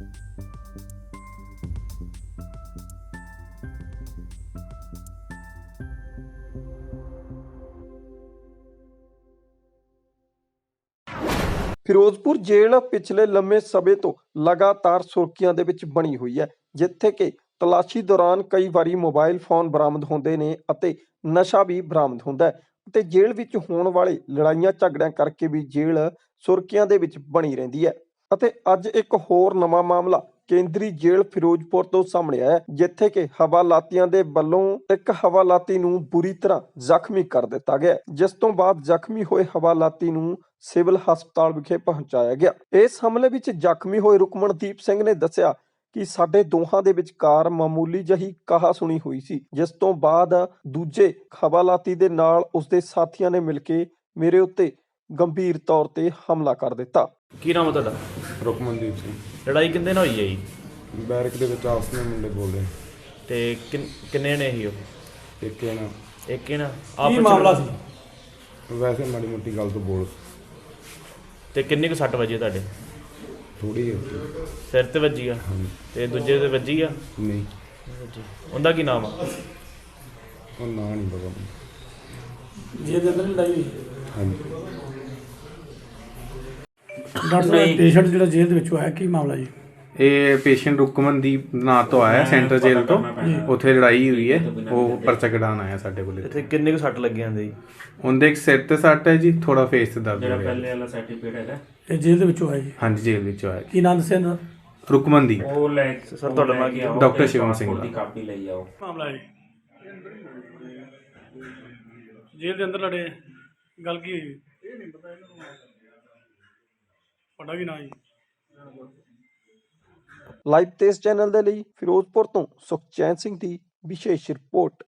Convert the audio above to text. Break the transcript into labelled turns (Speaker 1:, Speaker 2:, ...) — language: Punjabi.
Speaker 1: ਫਿਰੋਜ਼ਪੁਰ ਜੇਲ੍ਹ ਪਿਛਲੇ ਲੰਮੇ ਸਮੇਂ ਤੋਂ ਲਗਾਤਾਰ ਸੁਰਖੀਆਂ ਦੇ ਵਿੱਚ ਬਣੀ ਹੋਈ ਹੈ, ਜਿੱਥੇ ਕਿ ਤਲਾਸ਼ੀ ਦੌਰਾਨ ਕਈ ਵਾਰੀ ਮੋਬਾਈਲ ਫੋਨ ਬਰਾਮਦ ਹੁੰਦੇ ਨੇ ਅਤੇ ਨਸ਼ਾ ਵੀ ਬਰਾਮਦ ਹੁੰਦਾ ਹੈ ਅਤੇ ਜੇਲ੍ਹ ਵਿੱਚ ਹੋਣ ਵਾਲੇ ਲੜਾਈਆਂ ਝਗੜਿਆਂ ਕਰਕੇ ਵੀ ਜੇਲ੍ਹ ਸੁਰਖੀਆਂ ਦੇ ਵਿੱਚ ਬਣੀ ਰਹਿੰਦੀ ਹੈ। ਅਤੇ ਅੱਜ ਇੱਕ ਹੋਰ ਨਵਾਂ ਮਾਮਲਾ ਕੇਂਦਰੀ ਜੇਲ੍ਹ ਫਿਰੋਜ਼ਪੁਰ ਤੋਂ ਸਾਹਮਣੇ ਆਇਆ, ਜਿੱਥੇ ਕਿ ਹਵਾਲਾਤੀਆਂ ਦੇ ਵੱਲੋਂ ਇੱਕ ਹਵਾਲਾਤੀ ਨੂੰ ਬੁਰੀ ਤਰ੍ਹਾਂ ਜ਼ਖਮੀ ਕਰ ਦਿੱਤਾ ਗਿਆ, ਜਿਸ ਤੋਂ ਬਾਅਦ ਜ਼ਖਮੀ ਹੋਏ ਹਵਾਲਾਤੀ ਨੂੰ ਸਿਵਲ ਹਸਪਤਾਲ ਵਿਖੇ ਪਹੁੰਚਾਇਆ ਗਿਆ। ਇਸ ਹਮਲੇ ਵਿੱਚ ਜ਼ਖਮੀ ਹੋਏ ਰੁਕਮਨਦੀਪ ਸਿੰਘ ਨੇ ਦੱਸਿਆ ਕਿ ਸਾਡੇ ਦੋਹਾਂ ਦੇ ਵਿਚਕਾਰ ਮਾਮੂਲੀ ਜਿਹੀ ਕਹਾ-ਸੁਣੀ ਹੋਈ ਸੀ, ਜਿਸ ਤੋਂ ਬਾਅਦ ਦੂਜੇ ਹਵਾਲਾਤੀ ਦੇ ਨਾਲ ਉਸਦੇ ਸਾਥੀਆਂ ਨੇ ਮਿਲ ਕੇ ਮੇਰੇ ਉੱਤੇ ਗੰਭੀਰ ਤੌਰ ਤੇ ਹਮਲਾ ਕਰ ਦਿੱਤਾ।
Speaker 2: ਕੀ ਨਾਮ ਹੈ ਤੁਹਾਡਾ?
Speaker 3: ਰੁਕਮਨਦੀਪ ਸਿੰਘ।
Speaker 2: ਲੜਾਈ ਕਿੰਦੇ ਨਾਲ ਹੋਈ ਹੈ ਜੀ?
Speaker 3: ਬੈਰਕ ਦੇ ਵਿੱਚ ਆਪਸ ਵਿੱਚ ਮੁੰਡੇ ਬੋਲਦੇ
Speaker 2: ਤੇ ਕਿੰਨੇ ਨੇ ਸੀ ਉਹ?
Speaker 3: ਇੱਕ ਜਣਾ
Speaker 2: ਇੱਕ ਹੀ ਨਾ
Speaker 4: ਕੀ ਮਾਮਲਾ ਸੀ?
Speaker 3: ਵੈਸੇ ਮਾੜੀ ਮੋਟੀ ਗੱਲ ਤੋਂ ਬੋਲ
Speaker 2: ਤੇ ਕਿੰਨੇ ਕੁ ਸੱਟ ਵੱਜੀ ਤੁਹਾਡੇ?
Speaker 3: ਥੋੜੀ
Speaker 2: ਸਿਰ ਤੇ ਵੱਜੀ ਆ ਤੇ ਦੂਜੇ ਤੇ ਵੱਜੀ ਆ?
Speaker 3: ਨਹੀਂ,
Speaker 2: ਉਹਦਾ ਕੀ ਨਾਮ ਆ?
Speaker 3: ਉਹ ਨਾਂ ਨਹੀਂ ਪਤਾ ਮੈਨੂੰ।
Speaker 4: ਜੇ ਦੇ ਅੰਦਰ ਲੜਾਈ ਹੋਈ
Speaker 3: ਹਾਂਜੀ।
Speaker 4: ਡਾਕਟਰ ਸਾਹਿਬ, ਪੇਸ਼ੈਂਟ ਜਿਹੜਾ ਜੇਲ੍ਹ ਦੇ ਵਿੱਚੋਂ ਆਇਆ, ਕੀ ਮਾਮਲਾ ਜੀ?
Speaker 5: ਇਹ ਪੇਸ਼ੈਂਟ ਰੁਕਮਨਦੀਪ ਨਾਂ ਤੋਂ ਆਇਆ ਸੈਂਟਰ ਜੇਲ੍ਹ ਤੋਂ। ਉੱਥੇ ਲੜਾਈ ਹੋਈ ਹੈ, ਉਹ ਪਰਚਾ ਕਢਾਉਣ ਆਇਆ ਸਾਡੇ ਕੋਲ।
Speaker 2: ਇੱਥੇ ਕਿੰਨੇ ਕੁ ਸੱਟ ਲੱਗੇ ਜਾਂਦੇ ਜੀ?
Speaker 5: ਉਹਦੇ ਇੱਕ ਸਿਰ ਤੇ ਸੱਟ ਹੈ ਜੀ, ਥੋੜਾ ਫੇਸ ਤੇ ਦਰਦ ਹੋ ਰਿਹਾ।
Speaker 2: ਪਹਿਲੇ ਵਾਲਾ ਸਰਟੀਫਿਕੇਟ ਹੈਗਾ?
Speaker 4: ਇਹ ਜੇਲ੍ਹ ਦੇ ਵਿੱਚੋਂ ਆਇਆ ਜੀ?
Speaker 5: ਹਾਂਜੀ, ਜੇਲ੍ਹ ਵਿੱਚੋਂ ਆਇਆ।
Speaker 4: ਕੀ ਨਾਮ ਦੱਸਿਆ ਇਹਨਾਂ ਦਾ?
Speaker 5: ਰੁਕਮਨਦੀਪ।
Speaker 2: ਸਰ ਤੁਹਾਡਾ ਨਾਮ ਕੀ ਹੈ?
Speaker 5: ਡਾਕਟਰ ਸ਼ਿਵਮ ਸਿੰਘ ਦਾ।
Speaker 4: ਮਾਮਲਾ ਹੈ ਜੇਲ੍ਹ ਦੇ ਅੰਦਰ ਲੜੇ, ਗੱਲ ਕੀ ਹੋਈ? ਇਹ ਨਹੀਂ ਪਤਾ ਇਹਨਾਂ ਨੂੰ। ਤੁਹਾਡਾ ਕੀ ਨਾਮ ਜੀ?
Speaker 1: ਲਾਈਵ ਤੇਜ਼ ਚੈਨਲ ਦੇ ਲਈ ਫਿਰੋਜ਼ਪੁਰ ਤੋਂ ਸੁਖਚੈਨ ਸਿੰਘ ਦੀ ਵਿਸ਼ੇਸ਼ ਰਿਪੋਰਟ।